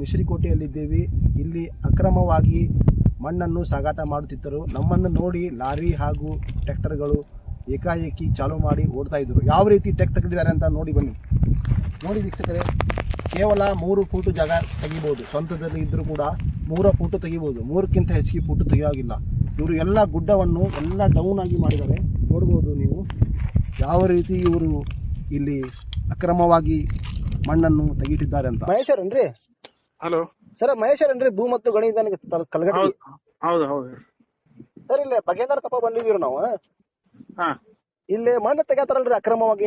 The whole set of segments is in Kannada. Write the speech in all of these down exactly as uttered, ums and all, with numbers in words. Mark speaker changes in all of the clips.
Speaker 1: ಮಿಶ್ರಿಕೋಟೆಯಲ್ಲಿದ್ದೇವೆ. ಇಲ್ಲಿ ಅಕ್ರಮವಾಗಿ ಮಣ್ಣನ್ನು ಸಾಗಾಟ ಮಾಡುತ್ತಿದ್ದರು. ನಮ್ಮನ್ನು ನೋಡಿ ಲಾರಿ ಹಾಗೂ ಟ್ರ್ಯಾಕ್ಟರ್ಗಳು ಏಕಾಏಕಿ ಚಾಲೂ ಮಾಡಿ ಓಡ್ತಾ ಇದ್ರು. ಯಾವ ರೀತಿ ಟೆಕ್ ತೆಗೆದಿದ್ದಾರೆ ಅಂತ ನೋಡಿ ಬನ್ನಿ. ನೋಡಿ ವೀಕ್ಷಕರೇ, ಕೇವಲ ಮೂರು ಫೂಟು ಜಾಗ ತೆಗಿಬೋದು. ಸ್ವಂತದಲ್ಲಿ ಇದ್ದರೂ ಕೂಡ ಮೂರು ಫೂಟು ತೆಗಿಬೋದು. ಮೂರಕ್ಕಿಂತ ಹೆಚ್ಚಿಗೆ ಫೂಟು ತೆಗಿಯೋಗಿಲ್ಲ. ಇವರು ಎಲ್ಲ ಗುಡ್ಡವನ್ನು ಎಲ್ಲ ಡೌನ್ ಆಗಿ ಮಾಡಿದ್ದಾರೆ. ನೋಡ್ಬೋದು ನೀವು ಯಾವ ರೀತಿ ಇವರು ಇಲ್ಲಿ ಅಕ್ರಮವಾಗಿ ಮಣ್ಣನ್ನು ತೆಗೀತಿದ್ದಾರೆ ಅಂತ. ಮಹೇಶ್ವರನ್ರಿ?
Speaker 2: ಹಲೋ
Speaker 1: ಸರ್, ಮಹೇಶ್ವರನ್ರಿ? ಭೂ ಮತ್ತು ಗಣಿ ಕಲಗಟ್ಟಿ?
Speaker 2: ಹೌದು ಹೌದು
Speaker 1: ಸರ್, ಇಲ್ಲಿ ಬಗೇಂದ್ರ ಕಪ್ಪ ಬಂದಿದ್ದೀವಿ ನಾವು.
Speaker 2: ಹಾ,
Speaker 1: ಇಲ್ಲಿ ಮಣ್ಣು ತೆಗಿತಾರಲ್ರಿ ಅಕ್ರಮವಾಗಿ?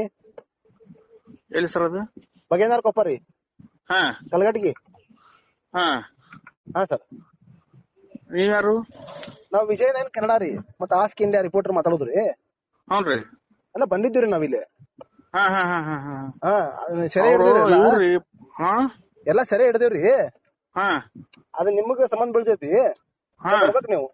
Speaker 2: ಎಲ್ಲಿ ಸರ್ ಅದು?
Speaker 1: ಬಗೇಂದ್ರ ಕೊಪ್ಪ ರೀ,
Speaker 2: ಹಾ
Speaker 1: ಕಲಗಟ್ಟಿಗೆ.
Speaker 2: ಹಾ
Speaker 1: ಹಾ ಸರ್.
Speaker 2: ನೀವ್ಯಾರು?
Speaker 1: ನಾವು ವಿಜಯನಗರ ಕನ್ನಡ ರೀ, ಮತ್ತೆ ಆಸ್ಕ್ ಇಂಡಿಯಾ ರಿಪೋರ್ಟರ್ ಮಾತಾಡೋದ್ರಿ.
Speaker 2: ಹೌನ್ರಿ.
Speaker 1: ಎಲ್ಲ ಬಂದಿದ್ದೀರಿ ನಾವಿಲ್ಲಿ.
Speaker 2: ಹಾ ಹಾ ಹಾ ಹಾ ಹಾ
Speaker 1: ಹಾ, ಸೆರೆ
Speaker 2: ಅವ್ರು
Speaker 1: ಹಿಡಿದೇವ್ರಿ.
Speaker 2: ಇವ್ರಿ ಹಾ
Speaker 1: ಎಲ್ಲ ಸೆರೆ ಹಿಡಿದೇವ್ರಿ.
Speaker 2: ಹಾ
Speaker 1: ಅದು ನಿಮಗ ಸಂಬಂಧ ಬೀಳ್ತೈತಿ.
Speaker 2: ಹಾ
Speaker 1: ಬರ್ಬೇಕು ನೀವು.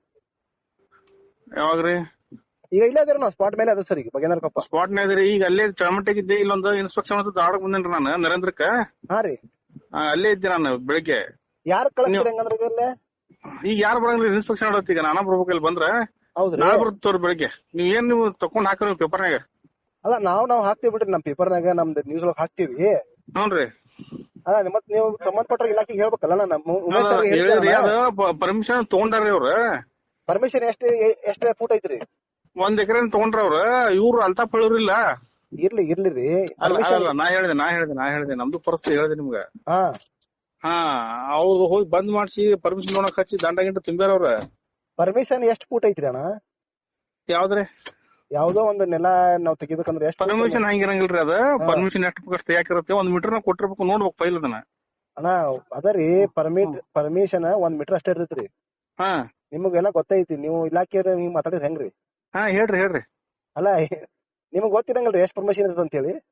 Speaker 2: ಯಾವಾಗ್ರಿ?
Speaker 1: ಈಗ ಇಲ್ಲೇ ಅದೇವ್ರಿ ನಾವು, ಸ್ಪಾಟ್ ಮೇಲೆ ಅದ ಸರ್. ಈಗ ಬಗೇಂದ್ರ ಕೊಪ್ಪ
Speaker 2: ಸ್ಪಾಟ್ ನಾಗ್ರಿ. ಈಗ ಅಲ್ಲೇ ಚಳಮಟ್ಟಿಗಿದ್ದೆ. ಇಲ್ಲೊಂದು ಇನ್ಸ್ಪೆಕ್ಷನ್ ಅಂತ ದಾಡಕ್ ಬಂದೇನ್ರಿ ನಾನು ನರೇಂದ್ರಕ್ಕ.
Speaker 1: ಹಾ ರೀ.
Speaker 2: ಆ, ಅಲ್ಲೇ ಇದ್ದೆ ನಾನು ಬೆಳಿಗ್ಗೆ.
Speaker 1: ಯಾರು ಕಳಿಸ್ತೀರಿ ಹಂಗಂದ್ರೆ ಇಲ್ಲೇ?
Speaker 2: ಈಗ ಯಾರು ಬರಂಗ್ರಿ ಇನ್ಸ್ಪೆಕ್ಷನ್ ಮಾಡತ್? ಈಗ ನಾನಾ ಬರ್ಬೇಕು. ಇಲ್ಲಿ ಬಂದ್ರ
Speaker 1: ಹೌದ್ರಿ.
Speaker 2: ನಾಳೆ ಬರ್ತವ್ರಿ ಬೆಳಿಗ್ಗೆ. ನೀವ್ ಏನ್ ನೀವು ತಕೊಂಡ್ ಹಾಕ್ರಿ ಪೇಪರ್ನಾಗ?
Speaker 1: ಅಲ್ಲ, ನಾವ್ ನಾವ್ ಹಾಕ್ತಿವಿ ಬಿಡ್ರಿ, ನಮ್ ಪೇಪರ್ನಾಗ ನಮ್ದು ನ್ಯೂಸ್ ಒಳಗ್ ಹಾಕ್ತಿವಿ.
Speaker 2: ಹ್ಞೂನ್ರಿ.
Speaker 1: ಅಲ್ಲ, ಮತ್ ನೀವು ಸಂಬಂಧಪಟ್ಟ ಇಲಾಖೆಗೆ ಹೇಳ್ಬೇಕಲ್ಲ. ನಮ್ಮ ಉಮೇಶ್ ಸರ್
Speaker 2: ಹೇಳಿದ್ರಿ, ಅದ ಪರ್ಮಿಷನ್ ತಗೊಂಡಾರ್ರಿ ಅವ್ರ.
Speaker 1: ಪರ್ಮಿಷನ್ ಎಷ್ಟು ಎಷ್ಟ್ ಫೂಟ್ ಐತ್ರಿ?
Speaker 2: ಒಂದ್ ಎಕರೆ ತಗೊಂಡ್ರ ಅವ್ರ. ಇವ್ರು ಅಲ್ತಾಫ್ ಹೇಳೋರಿಲ್ಲ.
Speaker 1: ಇರ್ಲಿ ಇರ್ಲಿ ರೀ.
Speaker 2: ಅಲ್ಲ, ನಾ ಹೇಳಿದೆ ನಾ ಹೇಳಿದೆ ನಾ ಹೇಳಿದೆ ನಮ್ದು ಪರಿಸ್ಥಿತಿ ಹೇಳಿದೆ ನಿಮ್ಗ.
Speaker 1: ಹಾ
Speaker 2: ಹಾ, ಅವ್ರು ಹೋಗಿ ಬಂದ್ ಮಾಡ್ಸಿ ಪರ್ಮಿಷನ್ ನೋಡಕ್ ಹಚ್ಚಿ ದಂಡ ಗಿಂಡ ತುಂಬ್ಯಾರ ಅವ್ರ.
Speaker 1: ಪರ್ಮಿಷನ್ ಎಷ್ಟ್ ಫೂಟ್ ಐತ್ರಿ ಅಣ್ಣ?
Speaker 2: ಯಾವ್ದ್ರಿ?
Speaker 1: ಯಾವ್ದೋ ಒಂದ್ ನೆಲ ನಾವ್ ತೆಗಿಬೇಕಂದ್ರೆ ಎಷ್ಟು?
Speaker 2: ಪರ್ಮಿಷನ್ ಹಂಗಿರಂಗಿಲ್ರಿ. ಅದ ಪರ್ಮಿಷನ್ ಎಷ್ಟು ಬೇಕಷ್ಟು ಯಾಕಿರುತ್ತೆ. ಒಂದ್ ಮೀಟರ್ ನಾವ್ ಕೊಟ್ಟಿರ್ಬೇಕು, ನೋಡ್ಬೇಕು ಫೈಲ್ ಅದನ್ನ.
Speaker 1: ಅಣ್ಣ ಅದರಿ ಪರ್ಮಿಟ್ ಪರ್ಮಿಷನ್ ಒಂದ್ ಮೀಟರ್ ಅಷ್ಟೇ ಇರ್ತೈತ್ರಿ.
Speaker 2: ಹಾ,
Speaker 1: ನಿಮಗೆಲ್ಲ ಗೊತ್ತೈತಿ. ನೀವು ಇಲಾಖೆ ಹಿಂಗ್ ಮಾತಾಡಿದ್ರೆ ಹೆಂಗ್ರಿ?
Speaker 2: ಹಾ ಹೇಳ್ರಿ ಹೇಳ್ರಿ.
Speaker 1: ಅಲ್ಲ, ನಿಮಗ್ ಗೊತ್ತಿರಂಗಲ್ರಿ ಎಷ್ಟ್ ಪರ್ಮಿಷನ್ ಇರ್ತದ ಅಂತ ಹೇಳಿ?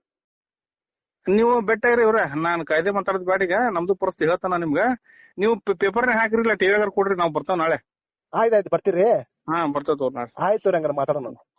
Speaker 2: ನೀವು ಬೆಟ್ಟಾಗ್ರಿ ಇವ್ರ. ನಾನ್ ಕಾಯ್ದೆ ಮಾತಾಡೋದ್ ಬ್ಯಾಡಿಗ, ನಮ್ದು ಪರಿಸ್ಥಿತಿ ಹೇಳ್ತಾನ ನಿಮ್ಗ. ನೀವು ಪೇಪರ್ನಾಗ ಹಾಕಿರಿಲ್ಲ, ಟಿವಿಗಾರ ಕೊಡ್ರಿ, ನಾವ್ ಬರ್ತಾವ ನಾಳೆ.
Speaker 1: ಆಯ್ತಾಯ್ತು, ಬರ್ತೀರಿ?
Speaker 2: ಹಾ, ಬರ್ತೇವ್ ನಾಳೆ.
Speaker 1: ಆಯ್ತು ಹಂಗಾರ ಮಾತಾಡೋಣ.